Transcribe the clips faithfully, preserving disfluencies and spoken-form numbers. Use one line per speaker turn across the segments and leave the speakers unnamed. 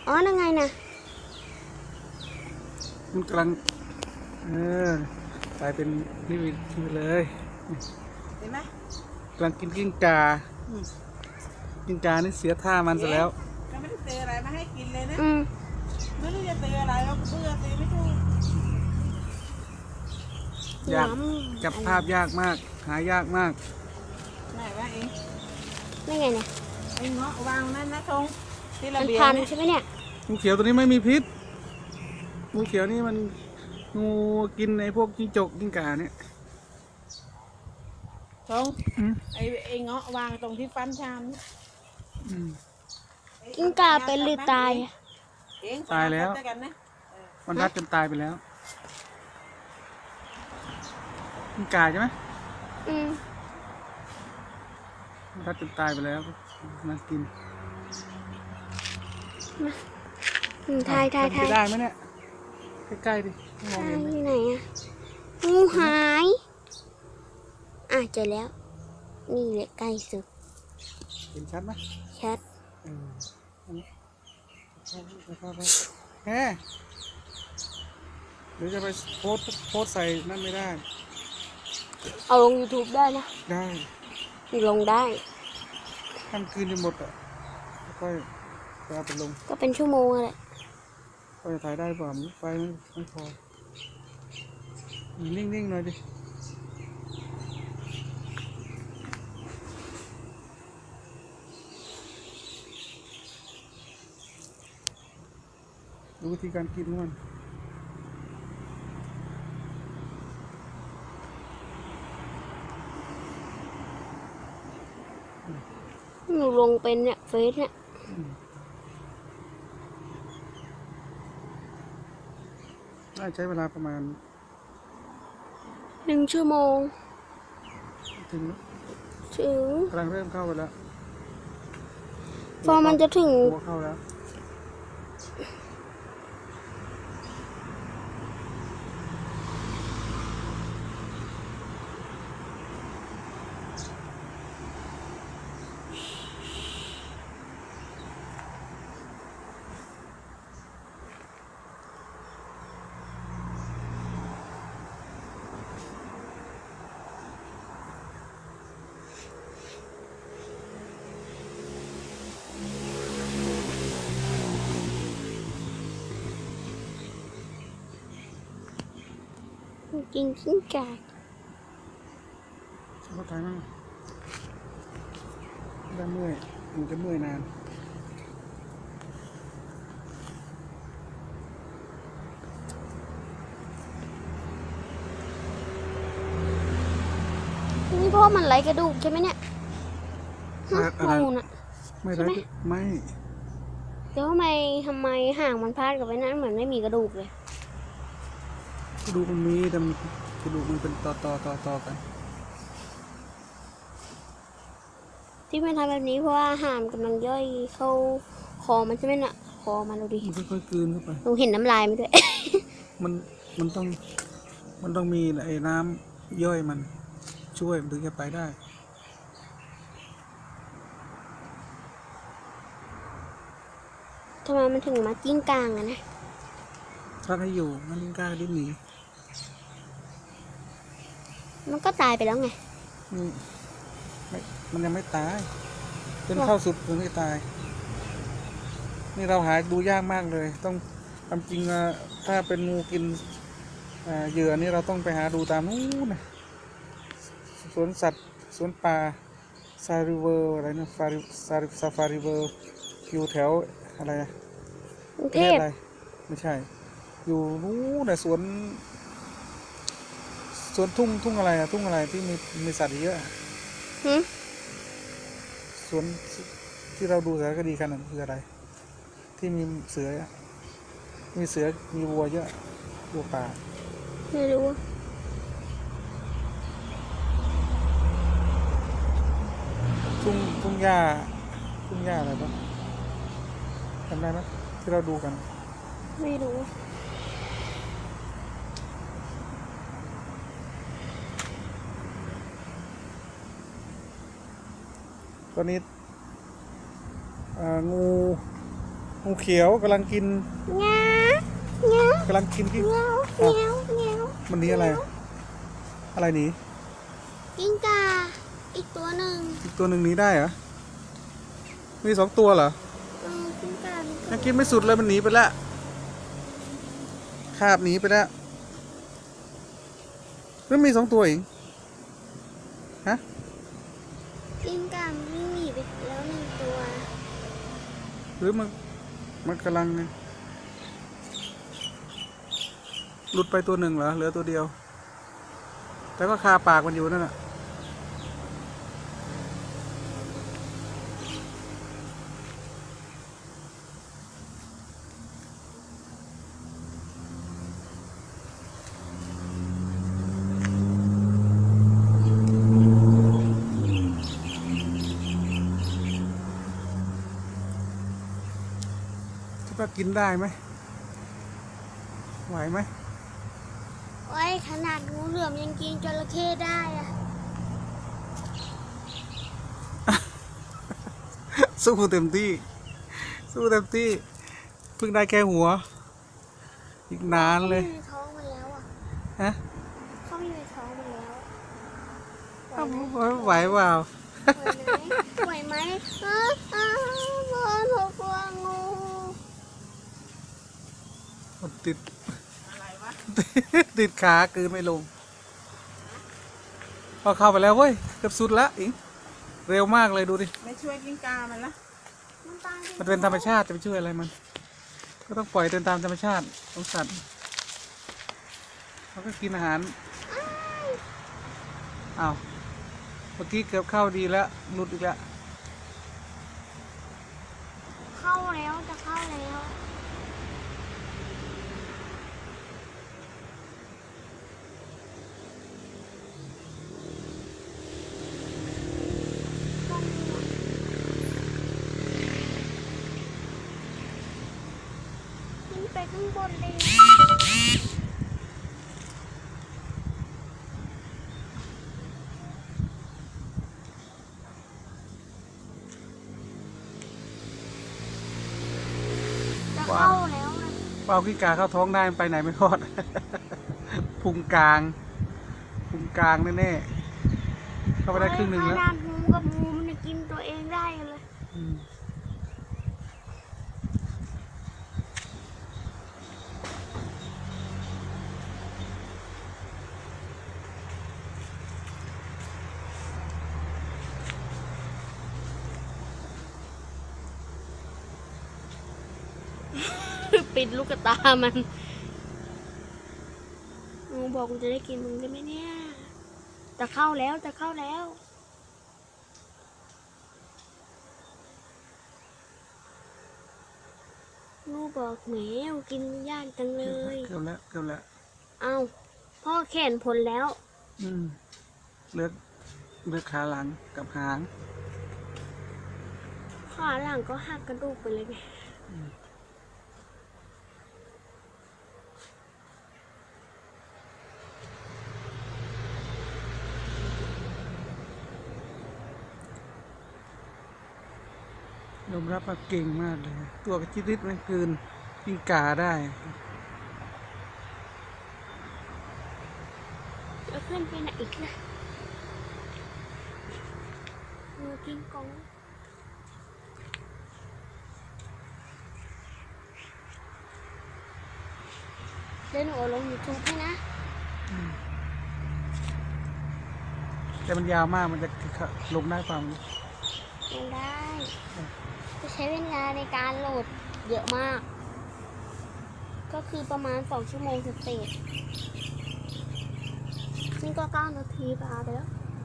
อ๋อนั่นไงนะ
มันกำลังเออกลายเป็นนี่ไปเลย
เห็นไหม
กำลังกินกิ้งกากิ้งกานี่เสียท่ามันซะแล้ว
ก็ไม่ได้เจออะไรมาให้กินเลยนะ
อืม
ไม่รู้จะเจออะไรแล้วเพื่อตีไม่ถูก
ยากจับภาพยากมากหายากมาก
ไหนวะเอง
นี่ไงเนี่ย
ไอ้เงาะวางนั่นนะทงที่ระ
มัน
เบียง
พัน
เนี่ย
ใช่ไหมเนี่ย
งูเขียวตัวนี้ไม่มีพิษงูเขียวนี่มันงูกินไอ้พวกจิ้งจกจิ้งก่าเนี่ย
ทงไอ้ไอ้เงาะวางตรงที่ฟันชามเนี่ย
กิ้งกาเป็นหรือตายอะ
เอง
ตายแล้ว
กันนะเออ
มันรัดจนตายไปแล้วกิ้งก่าใช่ไหม
อืม
มันรัดจนตายไปแล้วมากิน
อืมทายทาย
เป็น
ทา
ไป
ย
ได้ไหมเนี่ยใกล้ๆดิมอง
ทาย
เห็นไหม
อยู่ไหนอะงูหายอ่ะเจอแล้วนี่แหละใกล้สุด
เห็นชัดไหม
ชัด
เอออันนี้แฮ่หรือจะไปโพสโพสใส่นั่นไม่ได้
เอาลง ยูทูบ ได้นะ
ได้
ลงได้
ทำคืนจนหมดอ่ะค่อยไปเอาไปลง
ก็เป็นชั่วโมงแหละ
ก็จะถ่ายได้เปล่าไฟมันไม่พอนิ่งๆหน่อยดิดูวิธีการกินของมัน
หนูลงเป็นเนี่ยเฟซเนี่ย
น่าใช้เวลาประมาณ
หนึ่งชั่วโมง
ถึง
ถึง
กำลังเริ่มเข้าไปแล้ว
พอมันจะถึง
หัวเข้าแล้ว
กินกิ้งก่า
เข้าถ่ายมั่งได้เมื่อยมันจะเมื่อยนาน
นี่เพราะมันไร้กระดูกใช่ไหมเนี่ยฮะ
อะไร
งูน่ะ
ไม่ได้ไม่
แล้วทำไมทำไมห่างมันพาดกับไว้นั้นเหมือนไม่มีกระดูกเลย
กระดูกมันมีแต่มันกระดูกมันเป็นต่อต่อต่อต่อกัน
ที่มันทำแบบนี้เพราะว่าอาหารกำลังย่อยเข้าคอมันใช่ไหมน่ะคอมันดูดิ
มันค่อยๆกลืนเข้าไป
หนูเห็นน้ำลายมันด้วย
มันมันต้องมันต้องมีไอ้น้ำย่อยมันช่วยมันถึงจะไปได้
ทำไมมันถึงมากิ้งกลางอะนะ
ถ้าให้อยู่มันกล้าดิ้นหนี
มันก็ตายไปแล้วไง
อืมไม่มันยังไม่ตายจนเข้าสุดถึงจะตาย นี่เราหาดูยากมากเลย ต้องความจริงอะถ้าเป็นงูกินอ่าเหยื่อนี่เราต้องไปหาดูตามนู้นนะสวนสัตว์สวนป่าซาริเวอร์อะไรนะฟาริซาริซาฟาริเวอร์อยู่แถวอะไรนะ
กรุง
ป
เท
ระเทศ
พ
อะไรไม่ใช่ อยู่นู้นนะสวนสวนทุ่งทุ่งอะไรอะทุ่งอะไรที่มีมีสัตว์เยอะอะ
หึ
สวนที่เราดูสารคดีกันนั่นคืออะไร ที่มีเสืออะมีเสือมีวัวเยอะวัวป่า
ไม่รู้
ทุ่งทุ่งหญ้าทุ่งหญ้าอะไรปะจำได้ไหมที่เราดูกัน
ไม่รู้
ตอนนี้เอ่องูงูเขียวกำลังกิน
เงาเงาก
ำลังกินที่
เงาเงาเงา
มันหนี้อะไร อะไรหนี
กิ้งก่าอีกตัวหนึ่ง
อีกตัวหนึ่งหนีได้เหรอมีสองตัวเหรอ
เออกิ้งก่ามันก็
ยังกินไม่สุดเลยมันหนีไปแล้วคาบหนีไปแล้วแล้วมีสองตัวเองฮะ
กิ้งก่ามันวิ่งหนีไปแล้วหนึ่งตัว
หรือมันมันกำลังหลุดไปตัวหนึ่งเหรอเหลือตัวเดียว แต่ก็คาปากมันอยู่นั่นแหละคิดว่ากินได้ไหมไหวไหม
โอ้ยขนาดงูเหลือมยังกินจระเข้ได้อะ
สู้เต็มที่ สู้เต็มที่เพิ่งได้แค่หัว อีกนานเลย
เขามีในท้องมันแล้วอ่ะ
ฮะ
เขามีในท้องมันแล้ว
ไหวเปล่า
ไหวไหมไหวไหมอ้าวอ้าวบอลหกวงู
มันติด
อะไรวะ
ติดขาคืนไม่ลงพอเข้าไปแล้วเว้ยเกือบสุดละอิงเร็วมากเลยดูดิ
ไม่ช่วยกิ้งกามันละ
มันตายไป
มันเป็นธรรมชาติจะไปช่วยอะไรมัน ก็ต้องปล่อยเดินตามธรรมชาติของสัตว์เขาก็กินอาหารอ้าวเมื่อกี้เกือบเข้าดีแล้วหลุดอีกแล้ว
เข้าแล้วจะเข้าแล้วขึ้นไปข้างบนเลยจะเข้าแล้วนะ
เปล่าขี้กาเข้าท้องได้มันไปไหนไม่รอด พุงกลางพุงกลางแน่ๆเข้าไปได้ครึ่งหนึ่งแล้ว
ขนาดงูกับงูมันยังกินตัวเองได้เลย
อืม
ปิดลูกตามันงูบอกกูจะได้กินมึงได้ไหมเนี่ย จะเข้าแล้วจะเข้าแล้วงูบอกแหมกินยากจังเลย
เกือบแล้วเกือบแล้ว
เอาพ่อแขนผลแล้ว
อืมเลือกเลือกขาหลังกับหาง
ขาหลังก็หักกระดูกไปเลยไง
ยอมรับว่าเก่งมากเลย ตัวกระจิตริดมันเกินกินกาได้
แล้วขึ้นไปไหนอีกนะงูกินกองเล่นหนูเอาลงยูทูบให้นะ
แต่มันยาวมากมันจะลงได้ความ
ลงได้ จะใช้เวลาในการโหลดเยอะมาก ก็คือประมาณสองชั่วโมงเศษๆนี่ก็เก้านาทีปาไปแล้ว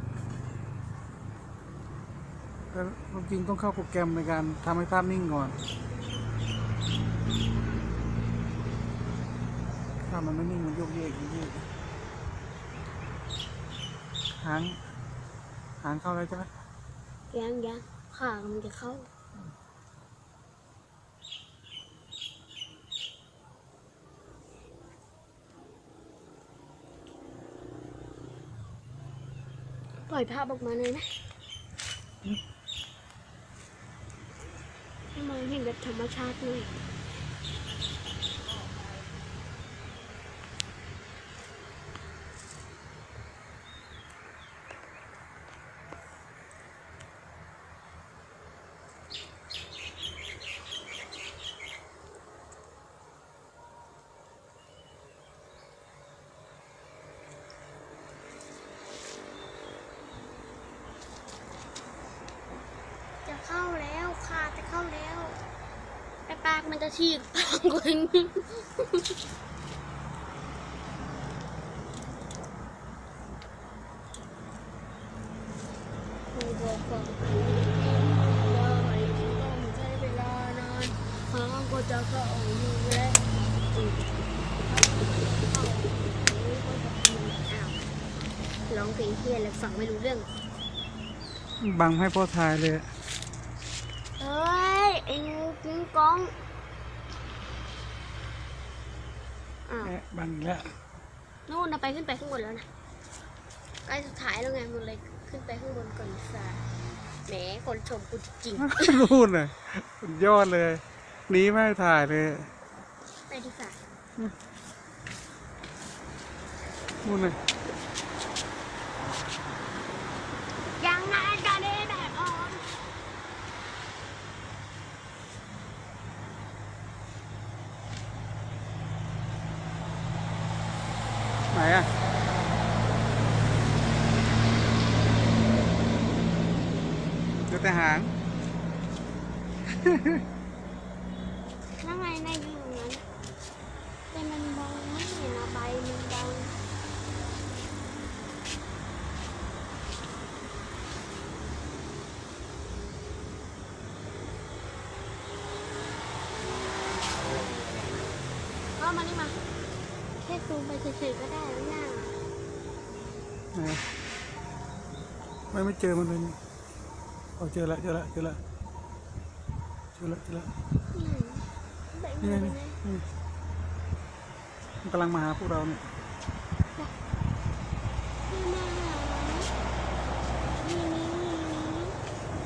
แต่จริงต้องเข้าโปรแกรมในการทำให้ภาพนิ่งก่อนภาพมันไม่นิ่งมันโยกเยกโยกเยกหางหางเข้าแล้วใช่ไหม
ยังยังขามันจะเข้า ปล่อยภาพออกมาเลยนะให้มองเห็นเห็นแบบธรรมชาติเลยจะเข้าแล้วค่ะจะเข้าแล้วแต่ปากมันจะฉีกปากกว่านี้ ครูบอกกับครูว่าให้ต้องใช้เวลานานหางก็จะเข้าอยู่แล้วอืมอ้าวร้องเพลงเพี้ยนแล้วฟังไม่รู้เรื่อง
บังให้พ่อทายเลย
เฮ้ย ไอ้งูกิ้งก้องอ้าว
แอะบังอีกแล้ว
นู่นนะไปขึ้นไปข้างบนแล้วนะใกล้สุดท้ายแล้วไงมันเลยขึ้นไปข้างบนก่อนดีกว่าแหมคนชมกูจริง
นู่นน่ะสุดยอดเลยหนีไม่ให้ถ่ายเลย
ๆไปดีกว่า
นู่นน่ะ
ยังไงกันเนี่ยแดดอ่อน
ไหนอ่ะเดี๋ยวแต่หาง
นั่งไงในอยู่ตรงนั้นแต่มันมองไม่เห็นอะใบมันบังก็มานี่มาแค่ซูมไปเฉยๆก็ได้แล้วนะ
ไหนไม่ไม่เจอมันเลยนี่เอาเจอละเจอละเจอละเจอละเจอละ
อืมใบ
นี่
มัน
ไง
เป็น
นี่
ไง
นี่มันกำลังมาหาพวกเราเนี่ย
ไม่มา